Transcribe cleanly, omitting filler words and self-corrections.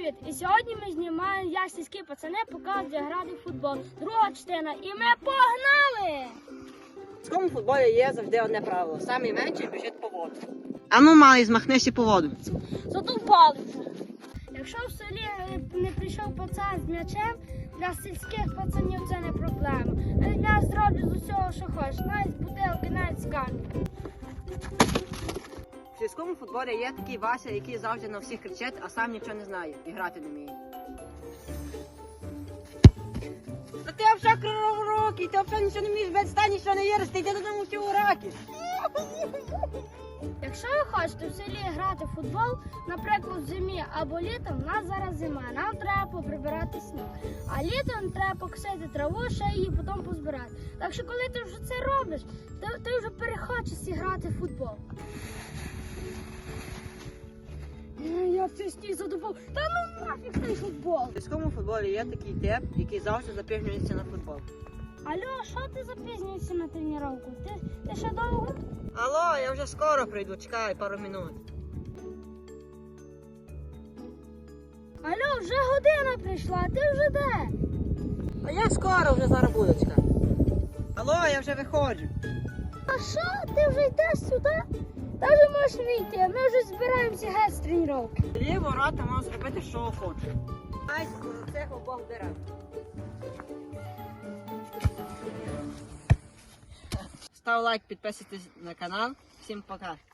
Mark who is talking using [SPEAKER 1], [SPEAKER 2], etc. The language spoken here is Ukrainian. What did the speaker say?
[SPEAKER 1] привіт! І сьогодні ми знімаємо «Я сільські пацани показують, як грати в футбол». Друга частина. І ми погнали!
[SPEAKER 2] В сільському футболі є завжди одне правило. Самий менший біжить по воду. А ну, малий, змахнися по воду.
[SPEAKER 1] Зато палицю. Якщо в селі не прийшов пацан з м'ячем, для сільських пацанів це не проблема. Я зроблю з усього, що хочеш. Навіть з бутилки, навіть з каміння.
[SPEAKER 2] В сільському футболі є такий Вася, який завжди на всіх кричить, а сам нічого не знає і грати не вміє. Та ти взагалі криворукий, ти взагалі нічого не вмієш, відстань, нічого не віриш, ти йди додому всі уроки.
[SPEAKER 1] Якщо ви хочете в селі грати в футбол, наприклад, в зимі або літом, у нас зараз зима, нам треба поприбирати сніг. А літом треба покосити траву, ще її потім позбирати. Так що коли ти вже це робиш, ти вже перехочеш грати в футбол. Я цей сніг задубав. Та ну нафіг цей футбол.
[SPEAKER 2] В сільському футболі є такий тип, який завжди запізнюється на футбол.
[SPEAKER 1] Алло, що ти запізнюєшся на тренування? Ти ще довго?
[SPEAKER 2] Алло, я вже скоро прийду, чекай пару минут.
[SPEAKER 1] Алло, вже година прийшла, а ти вже де?
[SPEAKER 2] А я скоро вже зараз буду, чекай. Алло, я вже виходжу.
[SPEAKER 1] А що, ти вже йдеш сюди? Та вже можеш вийти, ми вже збираємося геть з тренування.
[SPEAKER 2] Лі ворота можу зробити, що хочу. Ай, цих обох дерев. Став лайк, підписуйтесь на канал. Всім пока.